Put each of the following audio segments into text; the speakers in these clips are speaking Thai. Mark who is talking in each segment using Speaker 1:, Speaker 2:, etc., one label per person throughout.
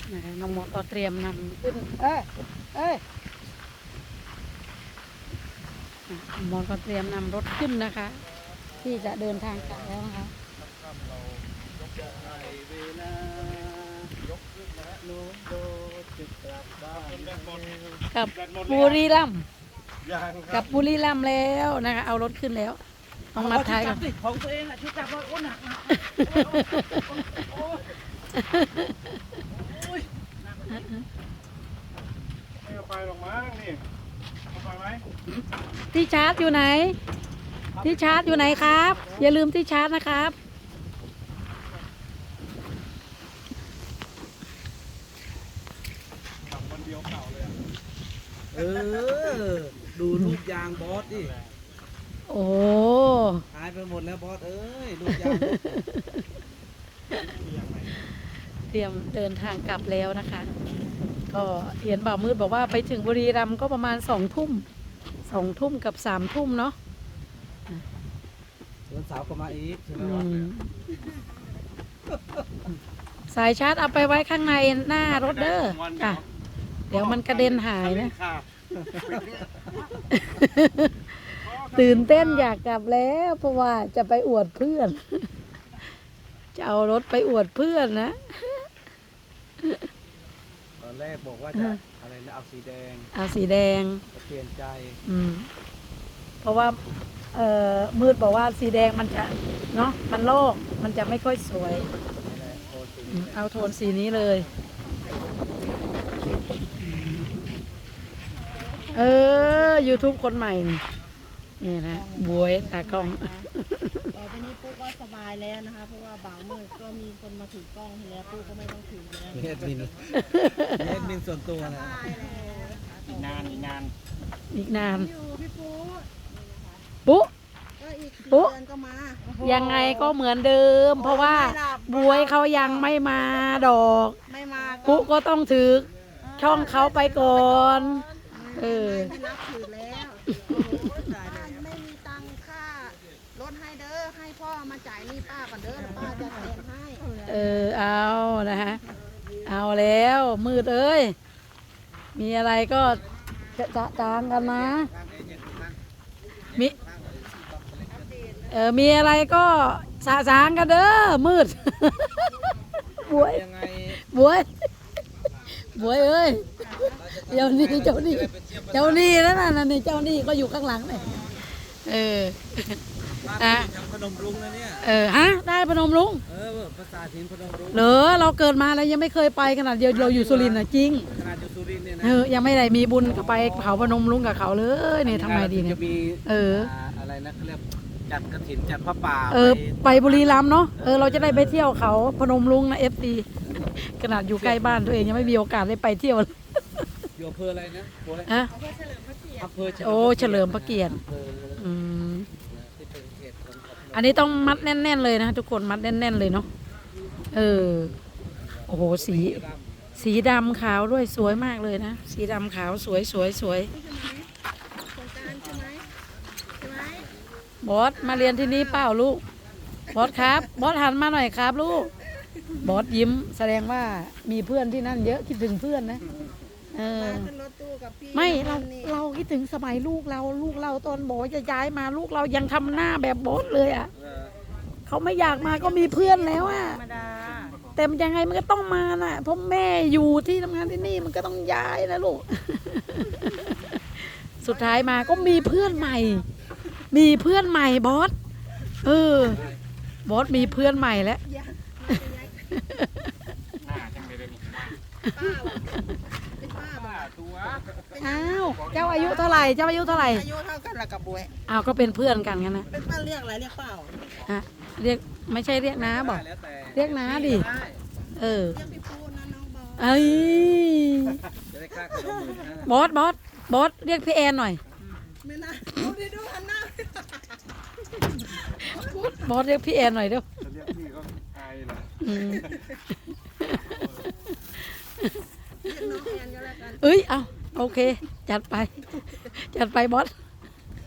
Speaker 1: นะคะน้องมดก็เตรียมนำขึ้นน้องมดก็เตรียมนำรถขึ้นนะคะ ที่จะเดินทางกลับแล้วนะคะกับบุรีรัมย์กับบุรีรัมย์แล้วนะคะเอารถขึ้นแล้วต้องมัดท้ายก่อน
Speaker 2: ของตัวเองอ่ะชุดจับว่าโอ้หนักนะไม่เอาไปหรอกมั้งนี่เอาไปไหม
Speaker 1: ที่ชาร์จอยู่ไหนที่ชาร์จอยู่ไหนครับอย่าลืมที่ชาร์จนะครับ
Speaker 2: วันเดียวเก่าเลย
Speaker 3: ดูลูกยางบอสดิ
Speaker 1: โอ้
Speaker 3: หายไปหมดแล้วบอสเอ้ยลูกยาง
Speaker 1: เตรียมเดินทางกลับแล้วนะคะก็เห็นบ่าวมืดบอกว่าไปถึงบุรีรัมย์ก็ประมาณ2 ทุ่มกับ3 ทุ่มเนาะ
Speaker 3: วันเสาร์ก็มาอีกใช่ไหมวะ
Speaker 1: สายชาร์จเอาไปไว้ข้างในหน้ารถเด้อค่ะเดี๋ยวมันกระเด็นหายนะตื่นเต้นอยากกลับแล้วเพราะว่าจะไปอวดเพื่อนจะเอารถไปอวดเพื่อนนะ
Speaker 3: ตอนแรกบอกว่าจะอะไรนะเอาสีแดงเปลี่ยนใจ
Speaker 1: เพราะว่ามืดบอกว่าสีแดงมันจะเนาะมันโลกมันจะไม่ค่อยสวยเอาโทนสีนี้เลยYouTube คนใหม่นี่นะบวยตากล้อง
Speaker 4: ต่อไปนี้ปุ๊กก็สบายแล้วนะคะเพราะว่าบ่าวมืดก็มีคนมาถือกล้องให้แล้วปุ๊กก็ไม่ต้องถือแล้ว
Speaker 3: เฮ็ดมินส่วนตัวนะ
Speaker 2: อีกนาน
Speaker 4: อยู่พี่
Speaker 1: ปุ๊
Speaker 4: ก็อีกเดือนก็มา
Speaker 1: ยังไงก็เหมือนเดิมเพราะว่าบวยเขายังไม่มาดอก
Speaker 4: ไม่มา
Speaker 1: ปุ๊ก็ต้องถือช่องเขาไปก่อน
Speaker 4: ไม่นับถือแล้วไม่มีตังค่ารถให้เด้อให้พ่อมาจ่ายนี่ป้าก่อนเด้อป้าจะแถมให้
Speaker 1: เอานะฮะเอาแล้วมืดเอ้ยมีอะไรก็จะจางกันนะมีอะไรก็สะสางกันเด้อมืดบวยเอ้ยเจ้านี่นั่นน่ะนี่เจ้านี่ก็อยู่ข้างหลังเลย
Speaker 3: พนมรุ้งนะเนี่ย
Speaker 1: ได้พนมรุ้ง
Speaker 3: ภาษาถิ่นพนมรุ้ง
Speaker 1: เหรอเราเกิดมาแล้วยังไม่เคยไปขนาดเราอยู่สุรินทร์นะจริง
Speaker 3: ขนาดอยู่สุรินทร์เนี่ยนะ
Speaker 1: ยังไม่ได้มีบุญไปเผาพนมรุ้งกับเขาเลยเนี่ยทำไมดีเนี่ย
Speaker 3: อะไรนะเขาเรียกจัดกฐินจัดพระป่า
Speaker 1: ไปบุรีรัมย์เนาะเราจะได้ไปเที่ยวเขาพนมรุ้งนะFCขนาดอยู่ใกล้บ้านตัวเองยังไม่มีโอกาสได้ไปเที่ยวเลย
Speaker 3: อยู่อำเภออะไรนะ
Speaker 1: เฉลิมพระเกียรติอันนี้ต้องมัดแน่นๆเลยนะทุกคนมัดแน่นๆเลยเนาะโอ้โหสีดำขาวด้วยสวยมากเลยนะสีดำขาวสวยบอสมาเรียนที่นี่เปล่าลูกบอสครับบอสหันมาหน่อยครับลูกบอสยิ้มแสดงว่ามีเพื่อนที่นั่นเยอะคิดถึงเพื่อนนะไม่เราคิดถึงสมัยลูกเราตอนบอสจะย้ายมาลูกเรายังทำหน้าแบบบอสเลยอ่ะเขาไม่อยากมาก็มีเพื่อนแล้วอ่ะแต่ยังไงมันก็ต้องมาน่ะเพราะแม่อยู่ที่ทำงานที่นี่มันก็ต้องย้ายนะลูกสุดท้ายมาก็มีเพื่อนใหม่บอสบอสมีเพื่อนใหม่แล้วอ้าวเจ้าอายุเท่าไหร่อายุเท่า
Speaker 4: กันละกับบวย
Speaker 1: อ้าวก็เป็นเพื่อนกันกันนะ
Speaker 4: เป็นป้าเรียกอะไรเรียกเปล่า
Speaker 1: เรียกไม่ใช่เรียกน้าบอกเรียกน้าดิ
Speaker 4: เรียกพี่ปูนะน้องบอ
Speaker 1: สบอสเรียกพี่แอนหน่อย
Speaker 4: ไม่น่าดูหันหน้า
Speaker 1: บอสเรียกพี่แอนหน่อยเด้อ
Speaker 2: เรียกพี่ก็อายเหรอ
Speaker 4: น้องแอนก็แล้วกัน
Speaker 1: เอาโอเคจัดไปบอส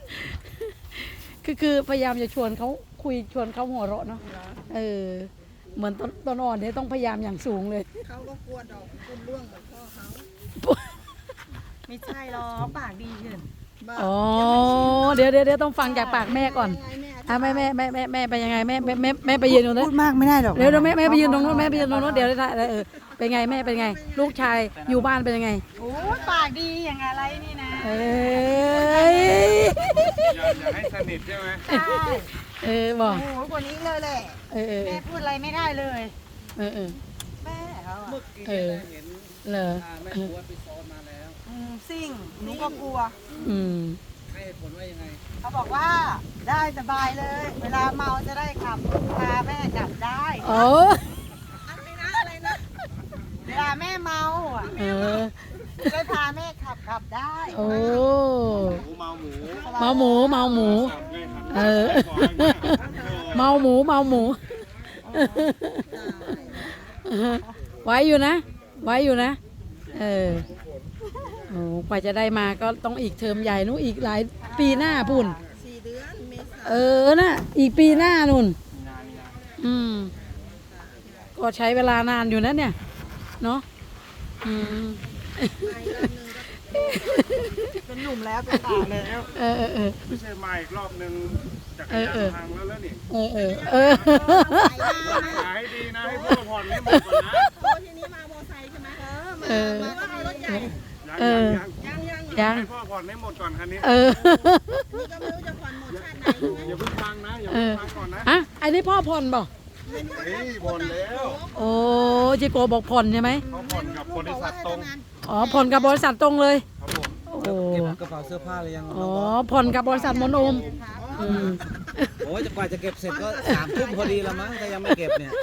Speaker 1: คือพยายามจะชวนเขาคุยชวนเขาหัวเราะเนาะเหมือนต้นอ่อนเนี่ยต้องพยายามอย่างสูงเลย
Speaker 4: เขาก็กลัวดอกคุณร่วงเหมือนพ่อเขา
Speaker 5: ไม่ใช่หรอกปากดีขึ้น
Speaker 4: บ้า
Speaker 1: อ๋อเดี๋ยวต้องฟังจากปากแม่ก่อน
Speaker 4: ยังไง
Speaker 1: อ่ะแม่ไปยังไงแม่ไปยืนตรงนั้น
Speaker 5: พูดมากไม่ได้หรอก
Speaker 1: เดี๋ยวแม่ไปยืนตรงนู้นแม่ไปยืนตรงนู้นเดี๋ยวได้เป็นไงแม่เป็นไง ลูกชายอยู่บ้านเป็นยังไง
Speaker 5: โอ้ยปากดีอย่างอะไรนี่นะ
Speaker 1: เอ้ย
Speaker 2: อย่าให้สนิทใช่ไหม
Speaker 5: ใช่
Speaker 1: บอก
Speaker 5: โอ้โหกว่านี้เลยแหละ
Speaker 1: เออ
Speaker 5: แม่พูดอะไรไม่ได้เลย
Speaker 1: เออ
Speaker 5: แม่เขาอะ
Speaker 3: เมื่อกี้
Speaker 1: เออ
Speaker 3: เห็น
Speaker 1: เหรอ
Speaker 3: แม่ครัวไปซ้อนมาแล้ว
Speaker 5: ซิ่งหนูก็กลัว
Speaker 1: อืม
Speaker 3: ให้เหตุผลว่ายังไง
Speaker 5: เขาบอกว่าได้สบายเลย เวลาเมาจะได้ขับพาแม่กลับได้
Speaker 1: โอ้
Speaker 4: อะไรนะ
Speaker 5: เวลาแม่เมาอ่ะ
Speaker 1: เออ
Speaker 5: จะได้พาแม่ขับได้
Speaker 1: โอ้
Speaker 2: หมูเมาหมู
Speaker 1: เมาหมู
Speaker 2: สับไงครับ
Speaker 1: เออ
Speaker 2: บอกให้มา
Speaker 1: เมาหมูไว้อยู่นะโอ้กว่าจะได้มาก็ต้องอีกเทอมใหญ่นู้นอีกหลายปีหน้าพุ่น
Speaker 4: 4 เดือนเมษา
Speaker 1: น่ะอีกปีหน้านุ่นก็ใช้เวลานานอยู่นะเนี่ยเนาะ
Speaker 5: เป็นหนุ่มแล้วเป็นสาวแล้ว
Speaker 2: ไม่ใช่มาอีกรอบนึงจักรยานพังแล้วนี่หาให้ดีนะให้พ่อผ่อนให้หมดก่อนนะ
Speaker 4: โอ้ทีนี้มาโมอไซค์ใช่ไหมมาก็มีรถใหญ่
Speaker 1: ยัง
Speaker 2: ให้พ่อผ่อนให้หมดก่อนคันนี้
Speaker 4: นี่ก็ไม่รู้จะผ่อนหมดชาติไหน
Speaker 2: อย่าเพิ่งพังนะอย่าเพิ่งพังก่อนนะ
Speaker 1: อ่ะอันนี้พ่อผ่อนบ่
Speaker 2: เฮ้ยผ่อนแล้ว
Speaker 1: โอ้จิโกบอกผ่อนใช่ไหม
Speaker 2: เขาผ่อนกับบริษัทตรง
Speaker 1: อ๋อผ่อนกับบริษัทตรงเลย
Speaker 2: ครับผม
Speaker 1: โอ้
Speaker 3: เก็บกระเป๋าเสื้อผ้าหรือยัง
Speaker 1: อ๋อผ่อนกับบริษัทมนโอม
Speaker 3: โอ้ยกว่าจะเก็บเสร็จก็3 ทุ่มพอดีละมั้งถ้ายังไม่เก็บเนี่ย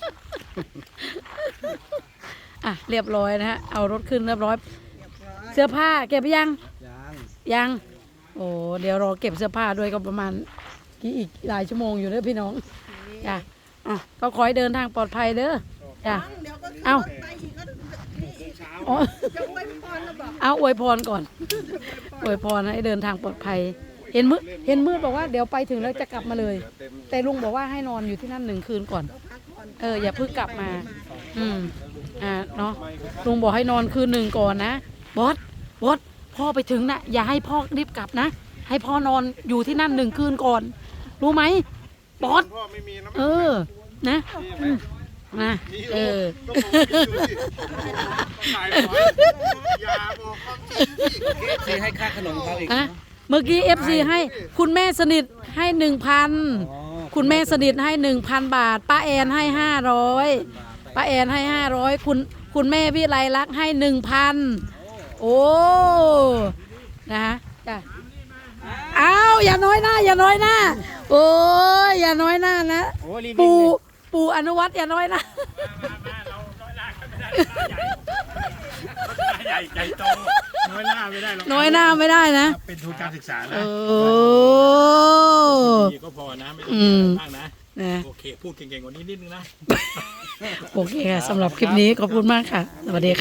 Speaker 1: อ่ะเรียบร้อยนะฮะเอารถขึ้นเรียบร้อย เสื้อผ้าเก็บไปยัง ยังโอ้เดี๋ยวรอเก็บเสื้อผ้าด้วยก็ประมาณอีกหลายชั่วโมงอยู่เด้อพี่น้องจ้ะอ่ะก็ขอให้เดินทางปลอดภัยเด้อจ้ะ
Speaker 4: เดี๋ยวก็
Speaker 1: เอ้า
Speaker 4: ไปอีกก็นี่อีก
Speaker 1: อ๋อ
Speaker 4: จะไว้พรแล้วบอก
Speaker 1: เอาอวยพรก่อนอวยพรให้เดินทางปลอดภัยเห็นมืดบอกว่าเดี๋ยวไปถึงแล้วจะกลับมาเลย แต่ลุงบอกว่าให้นอนอยู่ที่นั่น1 คืนก่อนอย่าเพิ่งกลับมาเนาะลุงบอกให้นอนคืน 1ก่อนนะบอสพ่อไปถึงนะอย่าให้พ่อรีบกลับนะให้พ่อนอนอยู่ที่นั่น1 คืนก่อนรู้ไหมบอส
Speaker 2: พ่อไม่มีนะ
Speaker 1: นะนะ
Speaker 2: ก็ผมมีอยู่สิขายหน่อยอย่าบอกความจริงสิ
Speaker 3: ที่ให้ค่าขนมเขาอีก
Speaker 1: อ่ะเมื่อกี้ FC ให้คุณแม่สนิทให้ 1,000คุณแม่สนิทให้ 1,000 บาทป้าแอนให้500ป้าแอนให้500คุณแม่วิไลลักษณ์ให้ 1,000โอ้นะคะจ้ะอ้าวอย่าน้อยหน้าโอ้ยอย่าน้อยหน้านะปู่อนุวัฒน์อย่าน้อยหน้า
Speaker 2: ใหญ่ใจโตน้อยหน้าไม่ได้หรอก
Speaker 1: น้อยหน้าไม่ได้นะ
Speaker 2: เป็นทุนการศึกษานะ
Speaker 1: โอ้
Speaker 2: ดีก็พอนะไม่ต้
Speaker 1: อื
Speaker 2: อง
Speaker 1: ม
Speaker 2: มากนะ
Speaker 1: นะ
Speaker 2: โอเคพูดเก่งๆกว่านี้นิดนึงนะ
Speaker 1: โอเคค่ะสำหรับคลิปนี้ขอบคุณมากค่ะ สวัสดีค่ะ